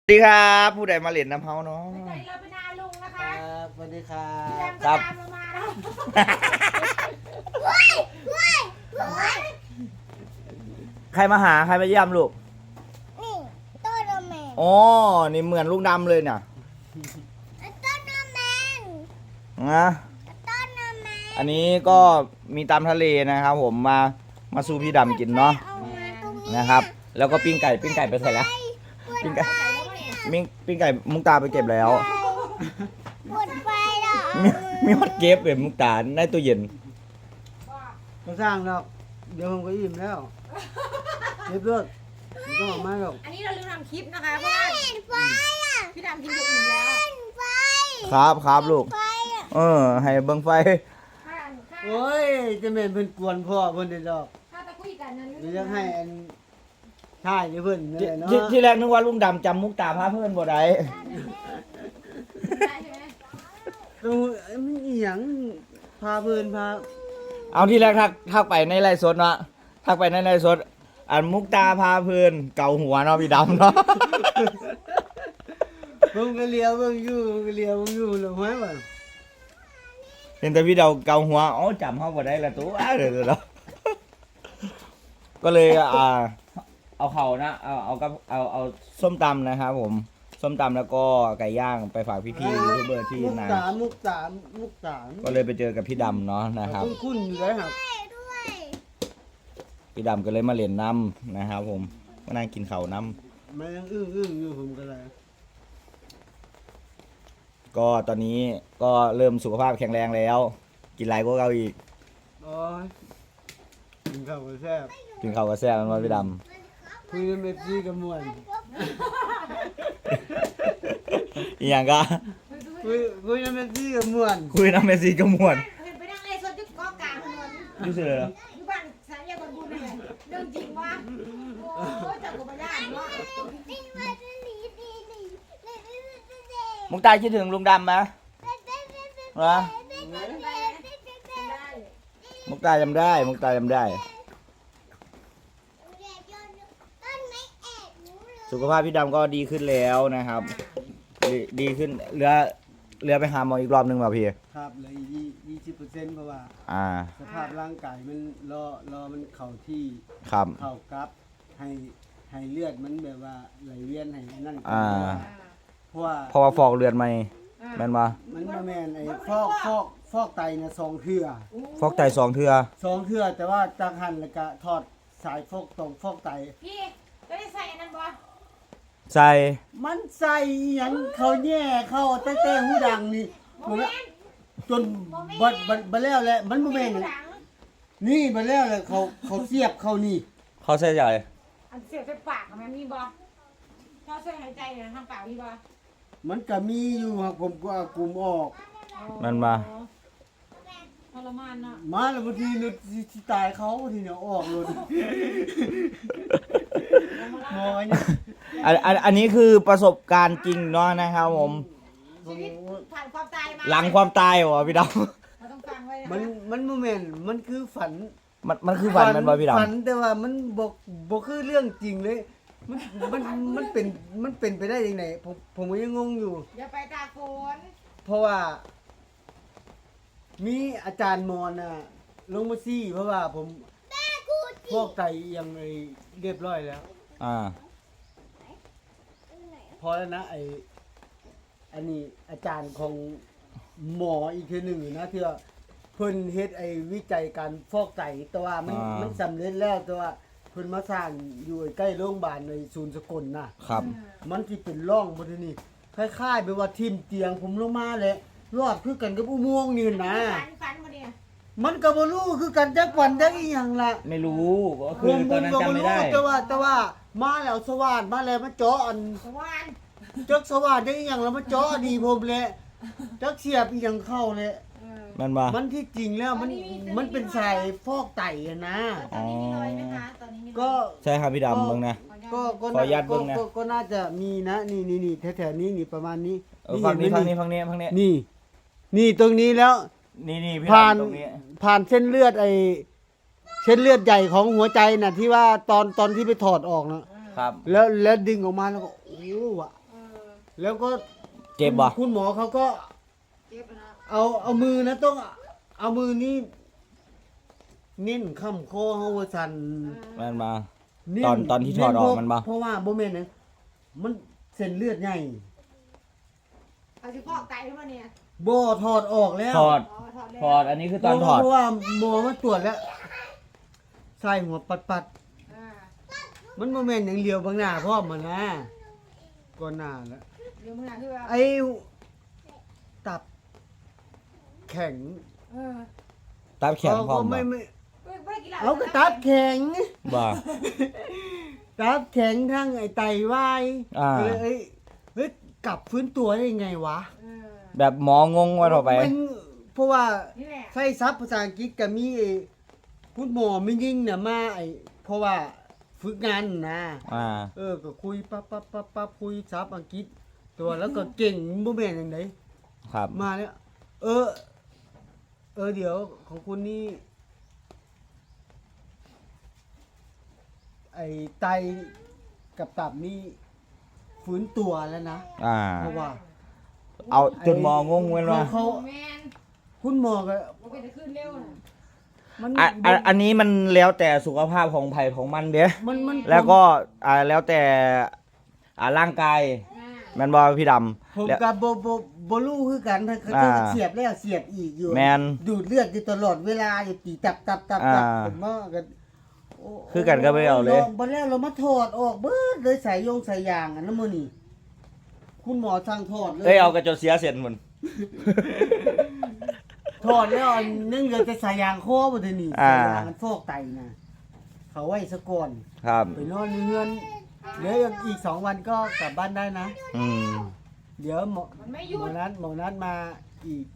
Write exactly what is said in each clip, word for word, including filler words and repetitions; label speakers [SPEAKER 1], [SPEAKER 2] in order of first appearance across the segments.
[SPEAKER 1] สวัสดีครับผู้ใดมาเล่นน้ำเฮาเนาะ
[SPEAKER 2] ใจเราเป็นอาลุงนะ
[SPEAKER 3] ค
[SPEAKER 2] คะ
[SPEAKER 3] รับสวัสดีครั
[SPEAKER 2] พี่
[SPEAKER 3] บ
[SPEAKER 2] ดำก็ตามเรามาแล้วว้ายว้ายว้าย
[SPEAKER 1] ใครมาหาใครมาเยี่ยมลูก
[SPEAKER 2] นี่ต้นโนแมน
[SPEAKER 1] อ๋อนี่เหมือนลุงดำเลยเนี่ย
[SPEAKER 2] ต้นโนแมน
[SPEAKER 1] นะ
[SPEAKER 2] ต้นโนแมน
[SPEAKER 1] อันนี้ก็มีตามทะเลนะครับผมมามาสู่พี่ดำกินเนาะ
[SPEAKER 2] เอามาตรงนี้
[SPEAKER 1] นะครับ แล้วก็ปิ้งไก่ปิ้งไก่ไปใส่แล้ว ปิ้งไก่ปิ้งปิ้งไก่มุกตาไปเก็บแล้ว
[SPEAKER 2] ปวดไฟเหรอ
[SPEAKER 1] มีมีฮอตเก็บเลยมุกตาในตู้เย็น
[SPEAKER 3] ก็สร้างดอกเดี๋ยวผมก็อิ่มแล้วเรียบร้อยไม่ต้องออกมาหรอก
[SPEAKER 2] อันนี้เราลืมทำคลิปนะคะเพราะว่าไฟอ่ะพี่ดำกินอยู่อิ่มแล้วไฟ
[SPEAKER 1] ครับครับลูก
[SPEAKER 2] ไฟอ่ะ
[SPEAKER 1] เออ ให้เบิ่งไฟ
[SPEAKER 2] ข้าข้า
[SPEAKER 3] โอ้ยจะแม่นเพิ่นกวนพ่อเพิ่นเด้อดอก
[SPEAKER 2] ข้าตะคุยกันนั้น
[SPEAKER 3] เดี๋ยวจะให้อันท่ายนี่เพิ่นนี่
[SPEAKER 1] ที่
[SPEAKER 3] แหละเนาะ
[SPEAKER 1] ที่ที่แรกนึกว่าลุงดำจำมุกตาพาเพื่อนบ่ได้
[SPEAKER 2] ได้ใช่ไหม
[SPEAKER 3] ต้องมันอีหยังพาเพิ่นพา
[SPEAKER 1] เอาที่แรกทักทักไปในไลฟ์สดเนาะทักไปในไลฟ์สดอันมุกตาพาเพื่อนเกาหัวเนาะพี่ดำเนาะ
[SPEAKER 3] ผมก็เลียวเบิ่งอยู่ผมก็เลียวเบิ่งอยู่แล้วห้อยว่า
[SPEAKER 1] เห็นแต่พี่เดาเกาหัวอ๋อจำเขาบ่ได้ละตัวเดี๋ยวเนาะก็เลยอ่าเอาเขานะเอาเอากับเอาเอาส้มตำนะครับผมส้มตำแล้วก็ไก่ย่างไปฝากพี่ๆยูทูบเบอร์ที่
[SPEAKER 3] มุก
[SPEAKER 1] นา
[SPEAKER 3] ตามุกตามุกตา
[SPEAKER 1] ก็เลยไปเจอกับพี่ดำเนาะนะครับ
[SPEAKER 3] คุ้นๆอยู่แล้วครับ
[SPEAKER 2] ด้วย
[SPEAKER 1] พี่ดำก็เลยมาเล่นน้ำนะครับผมมานั่งกินข้าวน้
[SPEAKER 3] มันยังอึ้งๆอยู่ผมก็เลย
[SPEAKER 1] ำก็ตอนนี้ก็เริ่มสุขภาพแข็งแรงแล้ว กินไรก็เกาอีก
[SPEAKER 3] โอ้ยกินข้าวก็แซ่บ
[SPEAKER 1] กินข้าวกับแซ่บมันว่าพี่ด
[SPEAKER 3] คุยกับเอฟซีกับม่วน
[SPEAKER 1] ำอีหยังก็
[SPEAKER 3] คุยคุยกับเอฟซีกับม่วน
[SPEAKER 1] คุยน้ำเมซีก็ม่วน
[SPEAKER 2] เห็นไปนั่งไอ้สดจุดเกาะกลางถนน
[SPEAKER 1] ดูสิเลยเหรอ
[SPEAKER 2] อยู่บ้านสายยาบนบุญเลยเรื่องจริงวะโอ้ยจากกุบญาติวะ
[SPEAKER 1] มุกตาคิดถึงลุงดำไหมเหรอมุกตาจำได้มุกตาจำได้ สุขภาพพี่ดำก็ดีขึ้นแล้วนะครับ ดีดีขึ้นเหลือเหลือไปหาหมออีกรอบหนึงป่ะพี่
[SPEAKER 3] ครับเหลยยี่สิบเปอร์เซ็นต์เพราะว่า
[SPEAKER 1] อ่า
[SPEAKER 3] สภาพร่างกายมันรอรอมันเข้าที่
[SPEAKER 1] ครับ
[SPEAKER 3] เข้ากับให้ให้เลือดมันแบบว่าไหลเวียนให้นั่น
[SPEAKER 1] อ่า
[SPEAKER 3] เพราะว่า
[SPEAKER 1] เพราะว่าฟอกเลือดไหมแม่นปะ
[SPEAKER 3] มันบ่แม่นไอ้ฟอกฟอกฟอกไตน่ะสองเทื่อ
[SPEAKER 1] ฟอกไตสองเทือ
[SPEAKER 3] สองเทื่อแต่ว่าจากหันแล้วก็ถอดสายฟอกตรงฟอกไต
[SPEAKER 2] พี่จะได้ใส่อันนั้นบ่
[SPEAKER 1] ใส่
[SPEAKER 3] มันใส่อิหยังเขาแย่เข้าแต่แต่หูดังนี่
[SPEAKER 2] โมเมนต์
[SPEAKER 3] จนบัดบัดบัดแล้วแหละมันบ่แม่น
[SPEAKER 2] ห
[SPEAKER 3] น่ะ
[SPEAKER 2] ลัง
[SPEAKER 3] นี่บัดแล้วแหละเขาเขาเสียบเข้านี่
[SPEAKER 1] เขาใส่ใหญ่
[SPEAKER 2] อันเสียบไปปากมันมีบ่ชอบช่วยหายใจเนี่ยทางปากมีบ่
[SPEAKER 3] มันก็มีอยู่ครับผมก็เอากลุ่มออก
[SPEAKER 1] มันมา
[SPEAKER 2] ทรมานเนาะ
[SPEAKER 3] มาแล้วบางทีนึกสิตายเขาบางทีเนี่ยออกเลยหมอเนี่ย
[SPEAKER 1] อันอันอันนี้คือประสบการณ์จริงเนาะนะครับผม
[SPEAKER 2] ชีวิตผ่านความตายมา
[SPEAKER 1] หลังความตายวะพี่ด
[SPEAKER 2] เราต้องฟังไว้นะ
[SPEAKER 3] มันมันโมเมนต์มันคือฝัน
[SPEAKER 1] ำมันมันคือฝันมันบ่พี่ด
[SPEAKER 3] ฝันแต่ว่ามันบอกบอกคือเรื่องจริงเลย มันมันมันเป็นมันเป็นไปได้ยังไงผมผมก็ยังงงอยู่
[SPEAKER 2] อย่าไปตากฝน
[SPEAKER 1] ำ
[SPEAKER 3] เพราะว่า มีอาจารย์มอนน่ะลงมาซี่ เพราะว่าผมพวกไตยังไงเรียบร้อยแล้ว
[SPEAKER 1] อ่า
[SPEAKER 3] พอแล้วนะไออันนี้อาจารย์ของหมออีกทีหนึ่งนะที่ว่าเพิ่นเฮ็ดไอวิจัยการฟอกไตแต่ว่ามัน
[SPEAKER 1] อ่ามั
[SPEAKER 3] มันสำเร็จแล้วแต่ว่าเพิ่นมาสร้างอยู่ใกล้โรงพยาบาลในศูนย์สกลนะครับ มันสิเป็นร่องบ่ทีนี้คล้ายๆแบบว่าทิ่มเตียงผมลงมาแหละรอดคือกันกับอุโมงค์นี่นะ
[SPEAKER 2] ฝันฝันมาเนี่ย
[SPEAKER 3] มันก็บ่รู้คือกันจักวันจักอีหยังล่ะ
[SPEAKER 1] ไม่รู้ก็คือตอนนั้นจำไม่ได้
[SPEAKER 3] แต่ว่าแต่ว่ามาแล้วสว่านมาแล้วมาเจาะอัน
[SPEAKER 2] สวรรค์
[SPEAKER 3] จักสว่านจักอีหยังแล้วมาเจาะดีผมแหละจักเสียบอีหยังเข้าเลย
[SPEAKER 2] เออ
[SPEAKER 1] มันบ่
[SPEAKER 3] มันที่จริงแล้วมันมันเป็นสายฟอกไตอะนะ
[SPEAKER 2] ตอนนี้มีรอยไหมคะตอนนี้มีรอย
[SPEAKER 3] ก็
[SPEAKER 1] ใช่ครับพี่ดำมึงนะ
[SPEAKER 3] ก็ก็
[SPEAKER 1] ขออนุญาตเบิ่งนะ
[SPEAKER 3] ก็ก็น่าจะมีนะนี่นี่นี่แถวๆนี้นี่ประมาณนี้
[SPEAKER 1] เออฟังนี้
[SPEAKER 3] เห็
[SPEAKER 1] ฟัง
[SPEAKER 3] ไหม
[SPEAKER 1] นี้ฟังนี้ฟังนี้
[SPEAKER 3] นี่ นี่ตรงนี้แล้ว
[SPEAKER 1] นี่นี่พี่
[SPEAKER 3] ผ่าน
[SPEAKER 1] ดำตรงนี้
[SPEAKER 3] ผ่านเส้นเลือดไอเส้นเลือดใหญ่ของหัวใจน่ะที่ว่าตอนตอนที่ไปถอดออกนะครับ แล้วแล้วดึงออกมาแล้วก็โอ้วะ
[SPEAKER 2] เออ
[SPEAKER 3] แล้วก็
[SPEAKER 1] เจ็บบ่
[SPEAKER 3] คุณหมอเขาก็
[SPEAKER 2] เจ็บนะ
[SPEAKER 3] เอาเอามือนะต้องเอามือนี้เน้นค้ำคอเฮาว่าซั่น
[SPEAKER 1] แม่นมา
[SPEAKER 3] เน้น
[SPEAKER 1] ตอนตอนที่ถอดออกมันบ่
[SPEAKER 3] เพราะว่าบ่แม่นนะมันเส้นเลือดใหญ่
[SPEAKER 2] เอาสิพอกไตขึ้นมาเนี่ย
[SPEAKER 3] บ่ถอดออกแล้ว
[SPEAKER 1] ถอด
[SPEAKER 2] อ๋อถอดแล้ว
[SPEAKER 1] ถอดอันนี้คือตอนถอด
[SPEAKER 3] เพราะว่าหมอมาตรวจแล้วใส่หัวปัด
[SPEAKER 2] อ่า
[SPEAKER 3] ๆมันบ่แม่นอย่างเดียวบางหน้าพร้อมมันนะก่อนหน้าแล้ว
[SPEAKER 2] เดี๋ยวมึงอ่ะคือว่า
[SPEAKER 3] ไอ้ตับแข็ง
[SPEAKER 2] เออ
[SPEAKER 1] ตับแข็งพร้อม
[SPEAKER 3] เขาก็
[SPEAKER 1] บ่
[SPEAKER 3] ไม่ไม่
[SPEAKER 2] ไม่ไม่ได้กินเหล้า
[SPEAKER 3] เอาก็ตับแข็ง
[SPEAKER 1] บ่
[SPEAKER 3] ตับแข็งทั้งไอ้ไตวาย
[SPEAKER 1] อ่า
[SPEAKER 3] ก็เลยเอ้ยเฮ้ยกลับฟื้นตัวได้ยังไงวะ
[SPEAKER 2] เออ
[SPEAKER 1] แบบหมองงว่าต่อไป
[SPEAKER 3] มันเพราะว่า
[SPEAKER 2] นี่แหละ
[SPEAKER 3] ใช้ซับภาษาอังกฤษก็มีไอ้คุณหมอไม่ยิ่งเนี่ยมาไอ้เพราะว่าฝึกงานนะ
[SPEAKER 1] อ่า
[SPEAKER 3] เออก็คุยปั๊บปั๊บปั๊บปั๊บคุยซับอังกฤษ ตัวแล้วก็เก่งบ่แม่นจังได
[SPEAKER 1] ครับ
[SPEAKER 3] มาแล้วเออ เออเดี๋ยวของคุณนี่ไอ้ไตกับตับนี่ฟื้นตัวแล้วนะ
[SPEAKER 1] อ่า
[SPEAKER 3] เพราะว่า
[SPEAKER 1] เอาจนหมองงเว้นว่า
[SPEAKER 3] เขา
[SPEAKER 2] แมน
[SPEAKER 3] คุณหมอก็
[SPEAKER 2] มันเป็นจะขึ้นเร็วนะ
[SPEAKER 3] มัน
[SPEAKER 1] อ่ะอ่ะอันนี้มันแล้วแต่สุขภาพของไผ่ของมันเด้
[SPEAKER 3] มันมัน
[SPEAKER 1] แล้วก็อ่าแล้วแต่อ่าร่างกาย
[SPEAKER 2] อ่า
[SPEAKER 1] แม่นบ่พี่ดำ
[SPEAKER 3] ผม
[SPEAKER 1] แล้ว
[SPEAKER 3] กับโบโบโบลูคือกันถ้าเขา
[SPEAKER 1] อ่า
[SPEAKER 3] เสียบแล้วเสียบอีกอยู่
[SPEAKER 1] แมน
[SPEAKER 3] ดูดเลือดอยู่ตลอดเวลาอยู่ตีตับตับตับตับ
[SPEAKER 1] อ่า
[SPEAKER 3] ผมว่ากันโ
[SPEAKER 1] คือกันก็ไม่เอาเลย
[SPEAKER 3] บ่แล้วเรามาถอดออกเบิดเลยสายยงสายยางอันนั้นมื้อนี้คุณหมอสั่งถอดเลย
[SPEAKER 1] เอ้ยเอากระจกเสียเสร็จหมด
[SPEAKER 3] ถอดแล้วอันนึงเหลือแต่สายยางคอบ่ทันนี่
[SPEAKER 1] อ่า
[SPEAKER 3] สายยางมันฟอกไตนะเขาไว้ซะก่อน
[SPEAKER 1] ครับ
[SPEAKER 3] ไปนอนในเรือนเดี๋ยวอีกสองวันก็กลับบ้านได้นะ
[SPEAKER 1] อืม
[SPEAKER 3] เดี๋ยวหมอ
[SPEAKER 2] มันไม่ห
[SPEAKER 3] ห
[SPEAKER 2] ยุ
[SPEAKER 3] มอ
[SPEAKER 2] ด
[SPEAKER 3] นัดหมอนัดมาอีก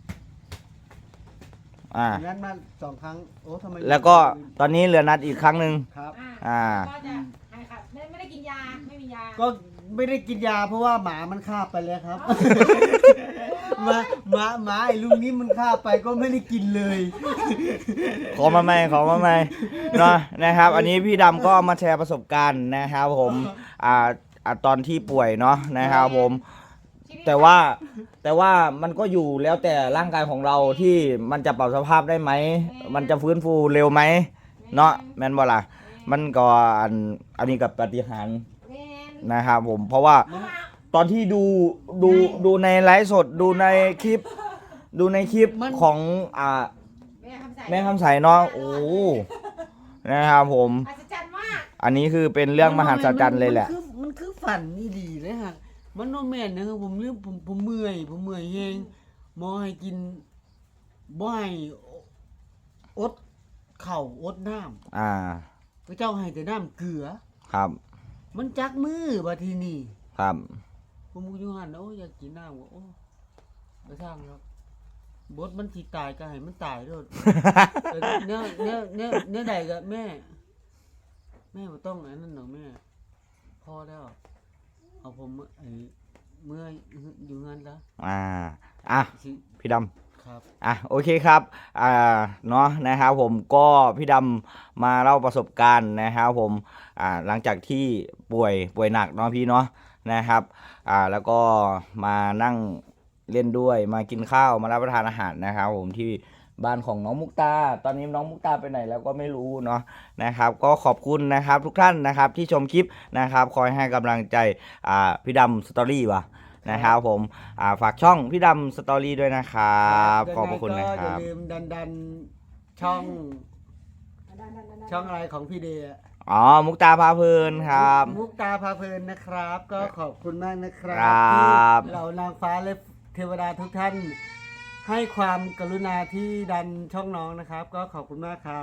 [SPEAKER 1] อ่า
[SPEAKER 3] หมอนัดมาสองครั้งโอ้ทำไม
[SPEAKER 1] แล้วก็ตอนนี้เหลือนัดอีกครั้งหนึ่ง
[SPEAKER 3] ครับ
[SPEAKER 2] อ่า
[SPEAKER 1] อ่า
[SPEAKER 2] ก็จะหายขาดไม่ไม่ได้กินยาไม่มียา
[SPEAKER 3] ก็ไม่ได้กินยาเพราะว่าหมามันฆ่าไปแล้วครับ หมาหมาหมาไอ้ลุงนี้มันฆ่าไปก็ไม่ได้กินเลย
[SPEAKER 1] ขอมาใหม่ขอมาใหม่เนาะนะครับ อันนี้พี่ดำก็มาแชร์ประสบการณ์นะครับผมอ่าอ่าตอนที่ป่วยเนาะนะครับผม แต่ว่าแต่ว่ามันก็อยู่แล้วแต่ร่างกายของเราที่มันจะปรับสภาพได้ไหม มันจะฟื้นฟูเร็วไหมเนาะแม่นบ่ล่ะมันก็อันอันนี้กับปาฏิหาริย์
[SPEAKER 2] แมน
[SPEAKER 1] นะครับผมเพราะว่าตอนที่ดูดูดูในไลฟ์สดดูในคลิป ดูในคลิป
[SPEAKER 3] มัน
[SPEAKER 1] ของอ่า
[SPEAKER 2] แม่คำใส่
[SPEAKER 1] แม่คำใสเนาะโอ้นะครับผม
[SPEAKER 2] อัศจรรย์มาก
[SPEAKER 1] อันนี้คือเป็นเรื่องมหัศจรรย์เลยแหละ
[SPEAKER 3] มันคือมันคือฝันนี่ดีเลยฮะมันโนแม่นนะครับผมเรื่องผมผมเมื่อยผมเมื่อยเฮงหมอให้กินบ่ให้อดเข่าวอดน้ำ
[SPEAKER 1] อ่า
[SPEAKER 3] พระเจ้าให้แต่น้ำเกลือ
[SPEAKER 1] ครับ
[SPEAKER 3] มันจักมือบัดทีนี้
[SPEAKER 1] ครับ
[SPEAKER 3] ผมก็อยู่หันโอ้อยากกินน้ำก็โอ้ไปสร้างครับบดมันสิตายก็ให้มันตายโลด แต่เนื้อเนื้อเนื้อเนื้อใดก็แม่ แม่บ่ต้องอันนั้นหรอกแม่พอแล้ว เอาผมไอ้เมื่อยอยู่งานแล้ว
[SPEAKER 1] อ่าอ่ะ
[SPEAKER 3] สิ
[SPEAKER 1] พี่ดำ
[SPEAKER 3] ครับ
[SPEAKER 1] อ่ะโอเคครับอ่าเนาะนะครับผมก็พี่ดำมาเล่าประสบการณ์นะครับผมอ่าหลังจากที่ป่วยป่วยหนักเนาะพี่เนาะนะครับอ่าแล้วก็มานั่งเล่นด้วยมากินข้าวมารับประทานอาหารนะครับผมที่บ้านของน้องมุกตาตอนนี้น้องมุกตาไปไหนแล้วก็ไม่รู้เนาะนะครับก็ขอบคุณนะครับทุกท่านนะครับที่ชมคลิปนะครับคอยให้กำลังใจอ่าพี่ดำสตอรี่ว่ะนะครับผมอ่าฝากช่องพี่ดำสตอรี่ด้วยนะครับขอบพระคุณนะค
[SPEAKER 3] ยังไงก็อย่า
[SPEAKER 1] รับ
[SPEAKER 3] ลืมดันดันช่อง
[SPEAKER 2] ดันๆๆๆ
[SPEAKER 3] ช่องอะไรของพี่เดย์อะ
[SPEAKER 1] อ๋อมุกตาพาเพลินครับ
[SPEAKER 3] มุกตาพาเพลินนะครับ ก็ขอบคุณมากนะครับ
[SPEAKER 1] ครับ
[SPEAKER 3] ที่เหล่านางฟ้าและเทวดาทุกท่าน ให้ความกรุณาที่ดันช่องน้องนะครับ ก็ขอบคุณมากครับ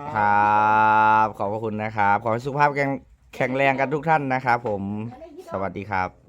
[SPEAKER 1] ครับขอบพระคุณนะครับ ขอให้สุขภาพแข็งแข็งแรงกันทุกท่านนะครับผม สวัสดีครับ